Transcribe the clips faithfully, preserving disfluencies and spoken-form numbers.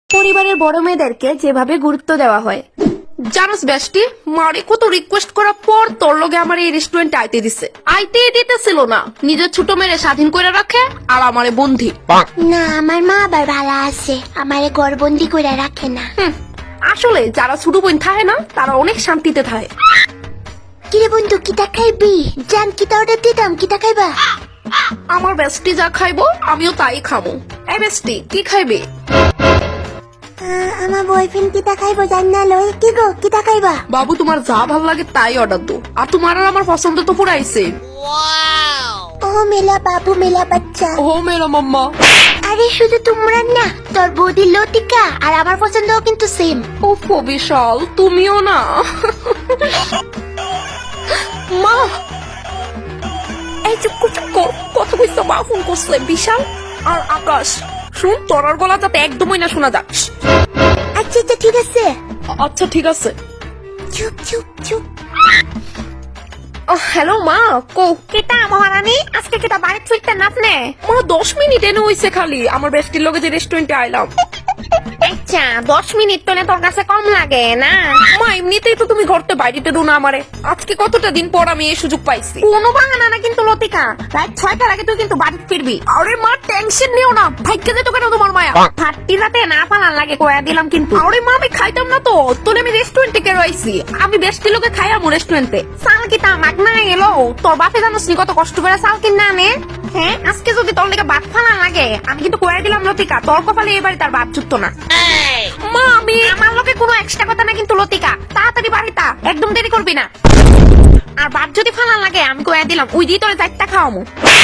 পরিবারের বড় মেয়েদেরকে যেভাবে গুরুত্ব দেওয়া হয়। জানোস বেস্টি, মারে কত রিকোয়েস্ট করার পর তোর লগে আমার এই রেস্টুরেন্টে আইতে দিছে। আইতে দিতেছিল না, নিজের ছোট মেয়েরে স্বাধীন করে রাখে আর আমারে বন্ধি। না, আমার মা আবার ভালো আছে, আমারে ঘরবন্দি করে রাখে না। হুম, আসলে যারা ছোট বোন থাকে না তারা অনেক শান্তিতে থাকে। কিরে বন্ধু, কিটা খাইবি? জান, কিটা অর্ডার দিতাম, কিটা খাইবা? আমার বেস্টি যা খাইবো আমিও তাই খাবো। এই বেস্টি, কি খাইবে? আমার বয়ফ্রেন্ড কিটা খাইবো জান না লই। কি গো, কিটা খাইবা? বাবু তোমার যা ভালো লাগে তাই অর্ডার দো। আর তোমার আর আমার পছন্দ তো পুরাইছে। ও মেলা বাবু, মেলা বাচ্চা। ও মেরা মাম্মা। আরে শুধু তোমরা না, তোর বৌদি লতিকা আর আমার পছন্দও কিন্তু সেম। ও বিশাল, তুমিও না। মা, এই চুপ কর, চুপ কর। কথা কইছো, মা ফোন করছে। বিশাল আর আকাশ, শুন, তোরার গলা যাতে একদমই না শোনা যাক। আচ্ছা আচ্ছা ঠিক আছে। আচ্ছা ঠিক আছে। চুপ চুপ চুপ। হ্যালো মা, কো কেটা মহারানী, আজকে কেটা বাড়ি ফিরতে নাপনে? মা দশ মিনিট এনে হইছে খালি। আমার বেস্টির লগে যে রেস্টুরেন্টে আইলাম। আচ্ছা, দশ মিনিট তো তোর কাছে কম লাগে না? মা এমনিতেই তো তুমি ঘরতে বাইরেতে দো না আমারে। আজকে কতটা দিন পর আমি এই সুযোগ পাইছি। কোনো বাহানা না কিন্তু লতিকা, রাত ছয়টার আগে তুই কিন্তু বাড়ি ফিরবি। আরে মা টেনশন নিও না, ভাগ্যে যেত কেন তোমার মায়া। ফাটতি রাতে না পালান লাগে কয়া দিলাম কিন্তু। আরে মা আমি খাইতাম না তো, তোলে আমি রেস্টুরেন্টে কে রইছি। আমি বেস্টির লগে খাইয়ামু রেস্টুরেন্টে। সাল কি তা মাগনা এলো? তোর বাপে জানোস নি কত কষ্ট করে চাল কিনা আনে? হ্যাঁ, আজকে যদি তোর লেগে ভাত ফালান লাগে, আমি কিন্তু কয়া দিলাম লতিকা, তোর কপালে এবারে তার ভাত জুটতো না। মা আমি আমার লোকে কোনো এক্সট্রা কথা না কিন্তু লতিকা, তাড়াতাড়ি বাড়িটা, একদম দেরি করবি না। আর ভাত যদি ফালান লাগে, আমি কয়া দিলাম ওই দিয়ে তোর চারটা খাওয়ামু।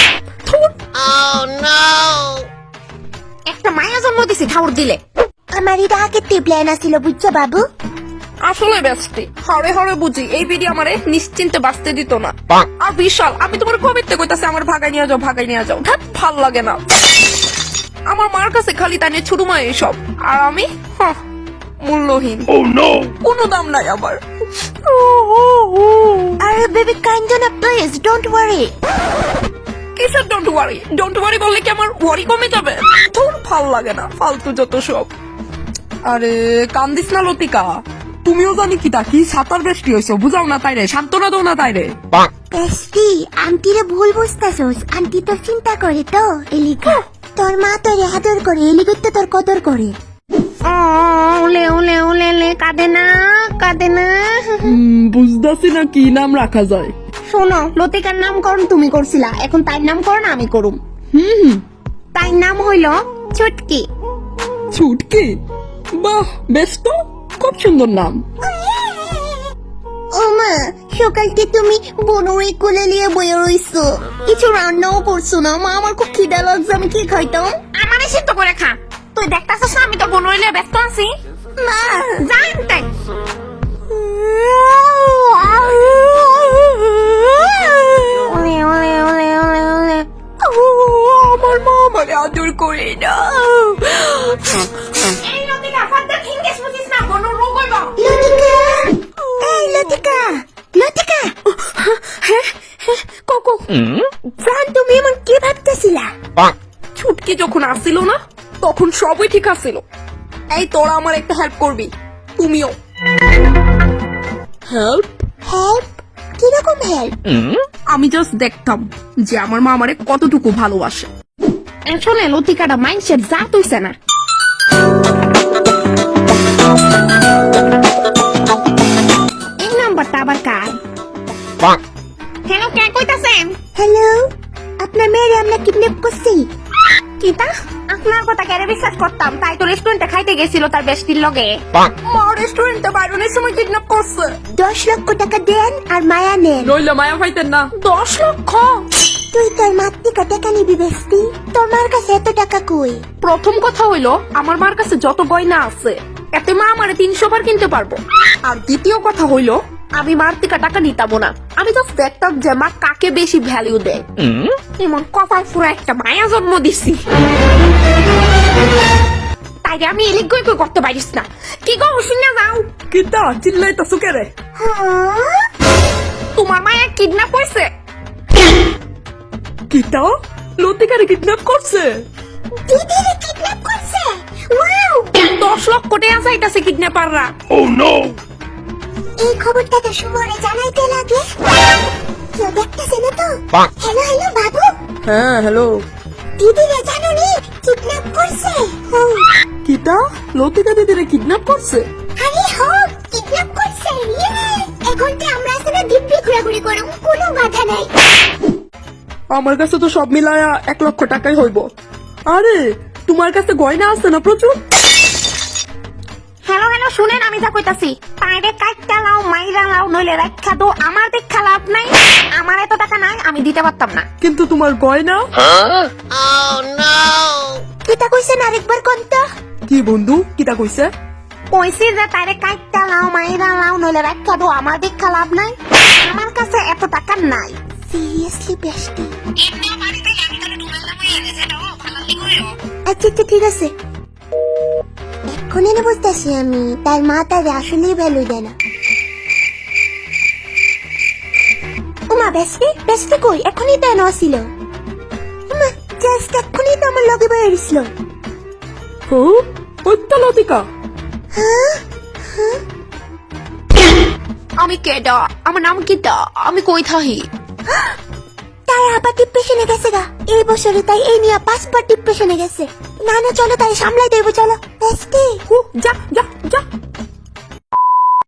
একটা মায়া জন্ম দিছি ঠাউর দিলে। আমার এটা আগে প্ল্যান আছিল, বুঝছো বাবু? আসলে বেস্টি, হরে হরে বুঝি এই বিডি আমারে নিশ্চিন্তে বাঁচতে দিত না। আর বিশাল, আমি তোমার কবিতে কইতাছি আমার ভাগাই নিয়ে যাও, ভাগাই নিয়ে যাও। ধ্যাৎ, ভাল লাগে না। আমার মার কাছে খালি তাই নিয়ে ছোট মা এইসব, আর আমি হাহ, মূল্যহীন। কোনো দাম নাই আমার। আরে বেবি, কাইন্ড না প্লিজ, ডোন্ট ওয়ারি। কিসের ডোন্ট ওয়ারি? ডোন্ট ওয়ারি বললে কি আমার ওয়ারি কমে যাবে? তোর ভাল লাগে না, ফালতু যত সব। আরে কান্দিস না লতিকা, তুমিও জানি কি তা কি সাতার বৃষ্টি হয়েছে, বুঝাও না তাই রে, সান্ত্বনা দাও না তাই রে। বেস্টি, আন্টিরে ভুল বুঝতাছস, আন্টি তোর চিন্তা করে তো এলিগা। তোর মা তোর আদর করে, এলিগা তো তোর কদর করে। ওলে ওলে ওলে লে, কাঁদে না কাঁদে না। বুঝতেছি না কি নাম রাখা যায়। শোনো, লতিকার নামকরণ তুমি করছিলা, এখন তার নামকরণ আমি করুম। হুম হুম, তার নাম হইল ছুটকি। ছুটকি? বাহ, বেশ তো, খুব সুন্দর নাম। ও মা, সকালকে তুমি বনরে কোলে নিয়ে বয়ে রইছো, কিছু রান্নাও করছো না। মা, আমার খুব খিদা লাগছে, আমি কি খাইতাম? আমারে সিদ্ধ করে খা। তুই দেখতাছিস না আমি তো বনরে নিয়ে ব্যস্ত আছি। মা জানতে ওলে ওলে ওলে ওলে ওলে। আমার মা আমাকে আদর করে না। এই লতিকা, ফাদ্দা ফিঙ্গেস বুঝিস না, বনর রোগ হইবা। লতিকা, এই লতিকা, লতিকা। হ্যাঁ হ্যাঁ, কোকো প্রাণ, তুমি এমন কি ভাবতেছিলা? ছুটকি যখন আসছিল না তখন সবই ঠিক আসছিল। এই তোরা আমার একটা হেল্প করবি, তুমিও। হেল্প? হেল্প? কিরকম হেল্প? আমি জাস্ট দেখতাম যে আমার মা আমারে কতটুকু ভালোবাসে। আসলে লতিকাটা মাইন্ডসেট যা তুইছে না। এই নাম্বারটা আবার কার? হ্যালো, কে কইতাছেন? হ্যালো, আপনার মেয়েরে আমরা কিডন্যাপ করছি। কিতা? আপনার কথা কেড়ে বিশ্বাস করতাম, তাই তো রেস্টুরেন্টে খাইতে গেছিল তার বেস্টির লগে। মা রেস্টুরেন্টে বাইরনের সময় কিডন্যাপ করছে। দশ লক্ষ টাকা দেন আর মায়া নেন। নইলে মায়া পাইতেন না। দশ লক্ষ? তুই তোর মার থেকে টাকা নিবি বেস্টি, তোর মার কাছে এত টাকা কই? প্রথম কথা হইলো, আমার মার কাছে যত গয়না আছে এতে মা আমারে তিনশো বার কিনতে পারবো। আর দ্বিতীয় কথা হইলো, আমি মার থেকে টাকা নিতাম না, আমি তো দেখতাম যে মা কাকে বেশি ভ্যালিউ দেয়। এমন কপাল ফুরা একটা মায়া জন্ম দিছি, তাই আমি এলিগ গই কই করতে পারিস না। কি গো, শুনে যাও। কিতা চিল্লাইতাছো কে রে? তোমার মায়া কিডন্যাপ হইছে। কিতা? লতিকারে কিডন্যাপ করছে? দিদিরে কিডন্যাপ করছে? ওয়াও! দশ লক্ষ টাকা চাইতাছে কিডন্যাপাররা। এই খবরটা তো সুমনে জানাইতে লাগে। কেউ দেখতেছে না তো? হ্যালো হ্যালো বাবু, হ্যাঁ হ্যালো। দিদি রে জানো নি কিডন্যাপ করছে। হো, কিতা লতিকা দিদিরে কিডন্যাপ করছে? আরে হো কিডন্যাপ করছে। ইয়ে, এখন তো আমরা আসলে দিব্যি ঘোরাঘুরি করব, কোনো বাধা নাই। আমার কাছে তো সব মিলায়া এক লক্ষ টাকাই হইব। আরে তোমার কাছে গয়না আছে না প্রচুর? হ্যালো হ্যালো শুনেন, আমি যা কইতাছি পাইরে কাটটা লাও মাইরা লাও নইলে রাখা দো, আমার দেখা লাভ নাই। আমার এত টাকা নাই, আমি দিতে পারতাম না। কিন্তু তোমার গয়না? কিতা কইছেন আরেকবার কোনটা? কি বন্ধু কিতা কইছে? কইছি যে তাইরে কাটটা লাও মাইরা লাও নইলে রাখা দো, আমার দেখা লাভ নাই। আমার কাছে এত টাকা নাই। Seriously bestie. আচ্ছা আচ্ছা ঠিক আছে। এক্ষুনি না বুঝতেছি আমি, তার মা তার আসলেই ভ্যালু দেয় না। উমা বেস্টি বেস্টি কই? এখনই তো এনে ছিল। উমা জাস্ট এক্ষুনি তো আমার লগে বের হইছিল। হো ওইটা লতিকা। আমি কেডা? আমার নাম কিতা? আমি কই থাহি? তাই আবার ডিপ্রেশনে গেছে গা এই বছরে, তাই এই নিয়ে পাঁচবার ডিপ্রেশনে গেছে। না না চলো তাই সামলাই দেবো, চলো বেস্টি। হু যা যা যা।